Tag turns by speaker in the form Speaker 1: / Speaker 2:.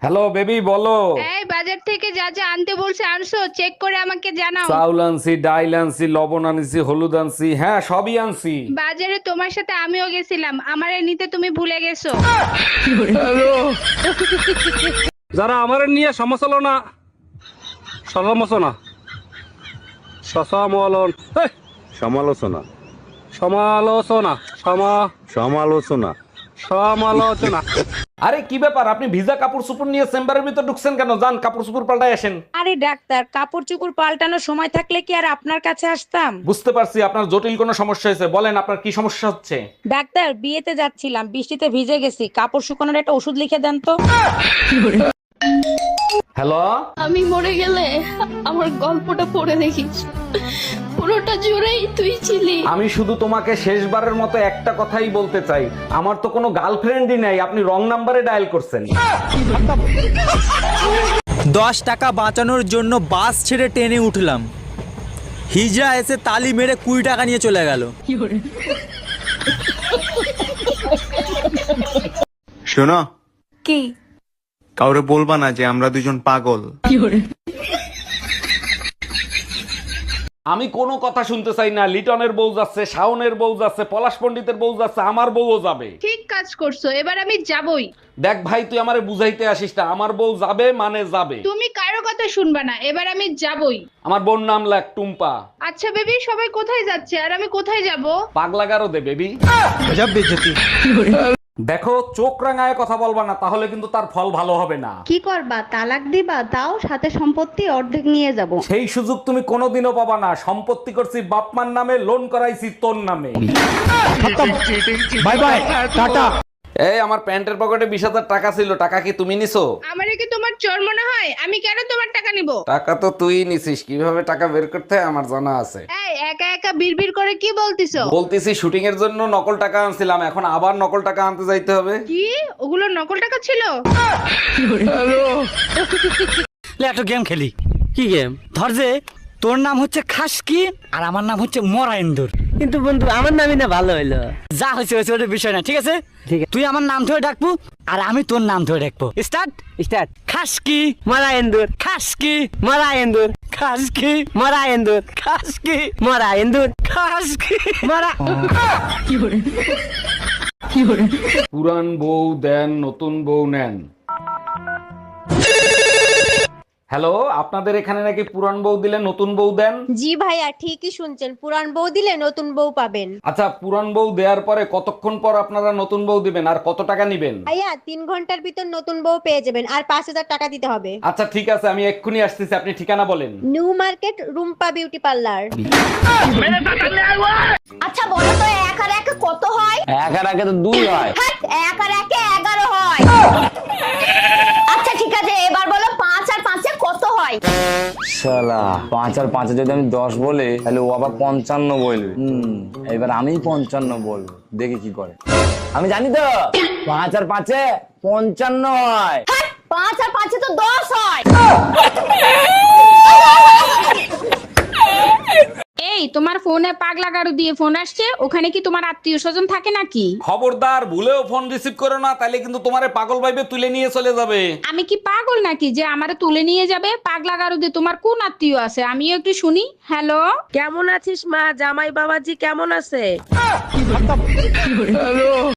Speaker 1: Hello baby বলো।
Speaker 2: এই বাজার থেকে যা যা আনতে বলছে আনছো, চেক করে আমাকে জানাও।
Speaker 1: চাউল আনছি, ডাইল আনছি, লবণ আনছি, হলুদ আনছি, হ্যাঁ সবই আনছি।
Speaker 2: বাজারে তোমার সাথে আমিও গেছিলাম, আমারে নিতে তুমি ভুলে গেছো।
Speaker 3: যারা আমার নিয়ে সমালোচনা সমালোচনা সমালোচন এই,
Speaker 4: সমালোচনা
Speaker 3: সমালোচনা
Speaker 4: সমালোচনা
Speaker 3: সমালোচনা
Speaker 1: আরে কি ব্যাপার, আপনি ভিজা কাপড় চোপড় নিয়ে চেম্বারের ভিতর ঢুকছেন কেন? যান কাপড় চোপড় পাল্টাই আসেন।
Speaker 5: আরে ডাক্তার, কাপড় চোপড় পাল্টানোর সময় থাকলে কি আর আপনার কাছে আসতাম?
Speaker 1: বুঝতে পারছি আপনার জটিল কোনো সমস্যা হয়েছে, বলেন আপনার কি সমস্যা হচ্ছে।
Speaker 5: ডাক্তার, বিয়েতে যাচ্ছিলাম, বৃষ্টিতে ভিজে গেছি, কাপড় শুকানোর একটা ওষুধ লিখে দেন তো।
Speaker 1: হ্যালো,
Speaker 6: আমি মরে গেলে আমার গল্পটা পড়ে দেখিস, পুরোটা জুড়েই তুই ছিলি।
Speaker 1: আমি শুধু তোমাকে শেষবারের মতো একটা কথাই বলতে চাই, আমার তো কোনো গার্লফ্রেন্ডই নাই, আপনি রং নাম্বারে ডায়াল করছেন।
Speaker 7: 10 টাকা বাঁচানোর জন্য বাস ছেড়ে ট্রেনে উঠলাম, হিজড়া এসে তালি মেরে 20 টাকা নিয়ে চলে গেল।
Speaker 4: শোনো,
Speaker 5: কি?
Speaker 4: কাউরে বলবা না যে আমরা দুজন পাগল।
Speaker 1: আমি কোনো কথা শুনতে চাই না। লিটনের বউ যাচ্ছে, শাওনের বউ যাচ্ছে, পলাশ পণ্ডিতের বউ যাচ্ছে, আমার বউও যাবে।
Speaker 2: ঠিক কাজ করছো, এবার আমি যাবই।
Speaker 1: দেখ ভাই, তুই আমারে বুঝাইতে আসিস না, আমার বউ যাবে মানে যাবে।
Speaker 2: তুমি কারো কথা শুনবা না, এবার আমি যাবই।
Speaker 1: আমার বোন নাম লাগ টুম্পা।
Speaker 2: আচ্ছা বেবি, সবাই কোথায় যাচ্ছে আর আমি কোথায় যাব?
Speaker 1: পাগলা গারো দে বেবি। দেখো, চোখ রাঙায় কথা বলবা না, তাহলে কিন্তু তার ফল ভালো হবে না।
Speaker 8: কি করবা, তালাক দিবা? তাও সাথে সম্পত্তি অর্ধেক নিয়ে যাব।
Speaker 1: সেই সুযোগ তুমি কোনোদিনও পাবা না। সম্পত্তি করছি বাপমার নামে, লোন করাইছি তোর নামে।
Speaker 7: Bye bye, tata.
Speaker 1: এই আমার প্যান্টের পকেটে 20,000 টাকা ছিল, টাকা কি তুমি নিছো?
Speaker 2: আমারে কি তোমার চোর মনে হয়? আমি কেন তোমার টাকা নিব?
Speaker 1: টাকা তো তুই নিছিস, কিভাবে টাকা বের করতে হয় আমার জানা আছে।
Speaker 2: এই একা একা বিড়বিড় করে কি বলতিছো?
Speaker 1: বলতেছি শুটিং এর জন্য নকল টাকা আনছিলাম, এখন আবার নকল টাকা আনতে যাইতে হবে।
Speaker 2: কি ওগুলো নকল টাকা ছিল?
Speaker 7: একটা গেম খেলি। কি গেম? ধর যে তোর নাম হচ্ছে খাসকি আর আমার নাম হচ্ছে মরাইন্দুর।
Speaker 9: কিন্তু বন্ধু আমার নামই না ভালো হইলো।
Speaker 7: যা হয়েছে হয়েছে, ওটা বিষয় না, ঠিক আছে? তুই আমার নাম ধরে ডাকবো আর আমি তোর নাম ধরে ডাকবো। Start
Speaker 9: start.
Speaker 7: খাসকি
Speaker 9: মরা এন্দুর,
Speaker 7: খাসকি
Speaker 9: মরা এন্দুর,
Speaker 7: খাসকি
Speaker 9: মরা এন্দুর,
Speaker 7: খাসকি
Speaker 9: মরা এন্দুর,
Speaker 7: খাসকি।
Speaker 9: মরা।
Speaker 1: পুরান বউ দেন, নতুন বউ নেন। হ্যালো, আপনাদের এখানে নাকি পুরান বউ দিলে নতুন বউ দেন?
Speaker 8: জি ভাইয়া, ঠিকই শুনছেন, পুরান বউ দিলে নতুন বউ পাবেন।
Speaker 1: আচ্ছা, পুরান বউ দেওয়ার পরে কতক্ষণ পর আপনারা নতুন বউ দিবেন আর কত টাকা নিবেন?
Speaker 8: ভাইয়া 3 ঘন্টার ভিতর নতুন বউ পেয়ে যাবেন, আর 5,000 টাকা দিতে হবে।
Speaker 1: আচ্ছা ঠিক আছে, আমি এক্ষুনি আসতেছি, আপনি ঠিকানা বলেন।
Speaker 8: New market, Rumpa beauty parlour.
Speaker 6: আচ্ছা বলো তো, 1 আর 1 কত হয়?
Speaker 9: 1 আর 1 তো 2 হয়।
Speaker 6: 1 আর 1 11 হয়। আচ্ছা ঠিক আছে, এবার বলো 5 আর 5 কত হয়?
Speaker 9: শালা 5 আর 5 যদি আমি 10 বলি তাহলে ও আবার 55 বলবে। এবার আমি 55 বলবো, দেখি কি করে। আমি জানি তো 5 আর 5 55 হয়।
Speaker 6: 5 আর 5 তো 10 হয়।
Speaker 2: এই তোমার ফোনে পাগলা গারু দিয়ে ফোন আসছে, ওখানে কি তোমার আত্মীয় স্বজন থাকে নাকি?
Speaker 1: খবরদার, ভুলেও ফোন রিসিভ করো না, তাইলে কিন্তু তোমারে পাগল ভাইবে তুলে নিয়ে চলে যাবে।
Speaker 2: আমি কি পাগল নাকি যে আমারে তুলে নিয়ে যাবে? পাগলা গারু দিয়ে তোমার কোন আত্মীয় আছে আমিও একটু শুনি। হ্যালো,
Speaker 5: কেমন আছিস মা? জামাই বাবাজি কেমন আছে?